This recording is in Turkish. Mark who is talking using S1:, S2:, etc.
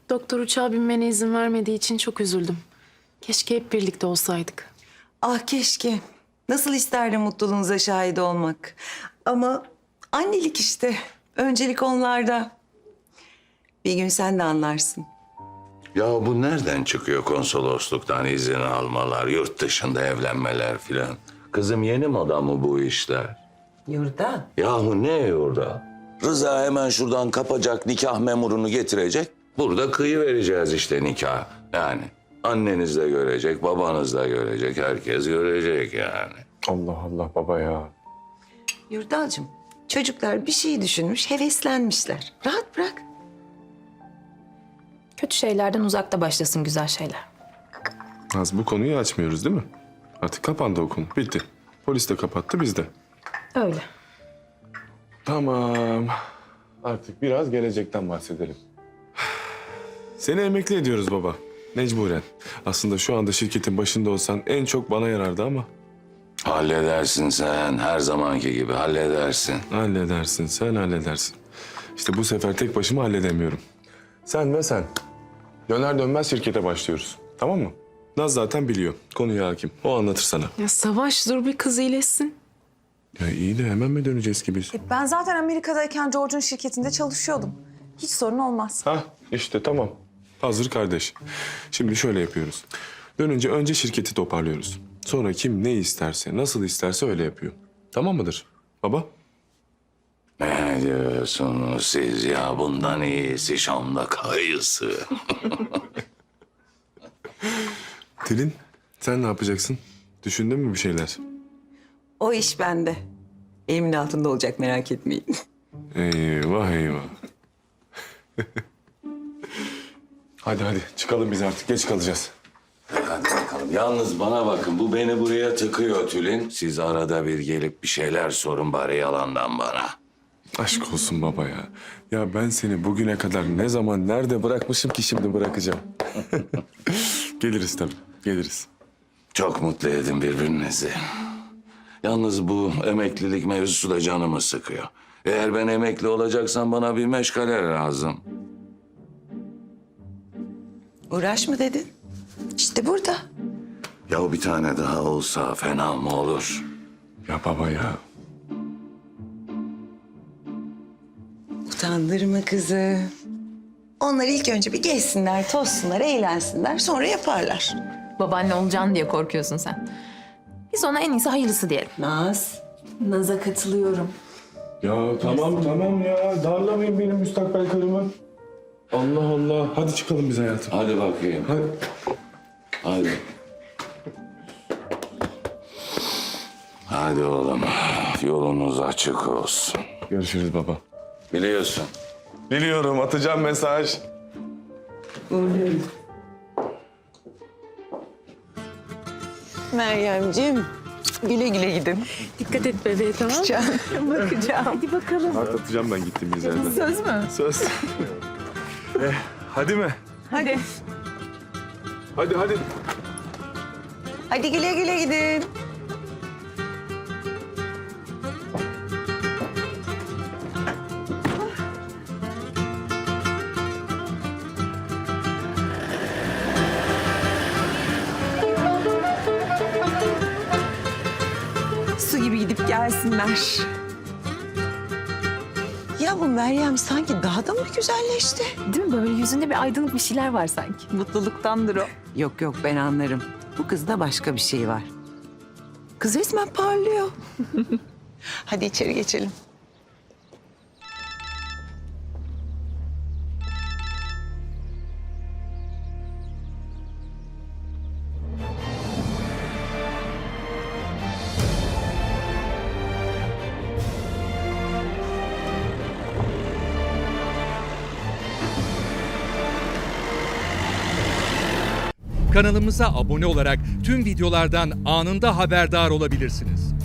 S1: Doktor uçağa binmene izin vermediği için çok üzüldüm. Keşke hep birlikte olsaydık.
S2: Ah keşke. Nasıl isterdim mutluluğunuza şahit olmak. Ama annelik işte. Öncelik onlarda. Bir gün sen de anlarsın.
S3: Ya bu nereden çıkıyor konsolosluktan izin almalar, yurt dışında evlenmeler filan? Kızım yeni moda mı bu işler?
S2: Yurda.
S3: Yahu ne orada? Rıza hemen şuradan kapacak, nikah memurunu getirecek. Burada kıyı vereceğiz işte nikah. Yani anneniz de görecek, babanız da görecek, herkes görecek yani.
S4: Allah Allah baba ya.
S2: Yurdalcığım, çocuklar bir şey düşünmüş, heveslenmişler. Rahat bırak.
S5: Kötü şeylerden uzakta başlasın güzel şeyler.
S4: Naz bu konuyu açmıyoruz değil mi? Artık kapandı o konu. Bitti. Polis de kapattı biz de.
S5: Öyle.
S4: Tamam. Artık biraz gelecekten bahsedelim. Seni emekli ediyoruz baba. Mecburen. Aslında şu anda şirketin başında olsan en çok bana yarardı ama.
S3: Halledersin sen, her zamanki gibi halledersin.
S4: Halledersin, sen halledersin. İşte bu sefer tek başıma halledemiyorum. Sen ve sen. Döner dönmez şirkete başlıyoruz. Tamam mı? Naz zaten biliyor. Konuya hakim. O anlatır sana.
S1: Ya Savaş dur bir kız iyileşsin.
S4: Ya iyi de hemen mi döneceğiz ki biz?
S6: Ben zaten Amerika'dayken George'un şirketinde çalışıyordum. Hiç sorun olmaz.
S4: Hah işte tamam. Hazır kardeş. Şimdi şöyle yapıyoruz. Dönünce önce şirketi toparlıyoruz. Sonra kim ne isterse, nasıl isterse öyle yapıyor. Tamam mıdır baba?
S3: Ne diyorsunuz siz ya? Bundan iyisi Şam'da kayısı.
S4: Tülin sen ne yapacaksın? Düşündün mü bir şeyler?
S2: O iş bende. Elimin altında olacak, merak etmeyin.
S4: Eyvah eyvah. hadi çıkalım biz artık. Geç kalacağız.
S3: Hadi bakalım. Yalnız bana bakın, bu beni buraya tıkıyor Tülin. Siz arada bir gelip bir şeyler sorun bari yalandan bana.
S4: Aşk olsun baba ya. Ya ben seni bugüne kadar ne zaman nerede bırakmışım ki şimdi bırakacağım. Geliriz tabii. Geliriz.
S3: Çok mutlu edin birbirinizi. Yalnız bu emeklilik mevzusu da canımı sıkıyor. Eğer ben emekli olacaksam bana bir meşgale lazım.
S2: Uğraş mı dedin? İşte burada.
S3: Ya bir tane daha olsa fena mı olur?
S4: Ya baba ya.
S2: Utandırma kızı. Onlar ilk önce bir gezsinler, tozsunlar, eğlensinler. Sonra yaparlar.
S5: Babaanne olacaksın diye korkuyorsun sen. Biz ona en iyisi hayırlısı diyelim.
S2: Naz.
S6: Naz'a katılıyorum.
S4: Ya tamam ya. Darlamayın benim müstakbel karımı. Allah Allah. Hadi çıkalım biz hayatım.
S3: Hadi bakayım.
S4: Hadi.
S3: Hadi. Hadi oğlum. Yolunuz açık olsun.
S4: Görüşürüz baba.
S3: Biliyorsun.
S4: Biliyorum. Atacağım mesaj.
S2: Meryemciğim, güle güle gidin.
S1: Dikkat et bebeğe tamam mı?
S2: Bakacağım.
S1: Hadi bakalım.
S4: Kart atacağım ben gittiğimiz yerden.
S6: Söz mü?
S4: Söz. Hadi mi?
S6: Hadi.
S4: Hadi.
S2: Hadi güle güle gidin. Su gibi gidip gelsinler. Ya bu Meryem sanki daha da mı güzelleşti?
S5: Değil mi? Böyle yüzünde bir aydınlık bir şeyler var sanki.
S2: Mutluluktandır o. Yok ben anlarım. Bu kızda başka bir şey var. Kız resmen parlıyor. Hadi içeri geçelim.
S7: Kanalımıza abone olarak tüm videolardan anında haberdar olabilirsiniz.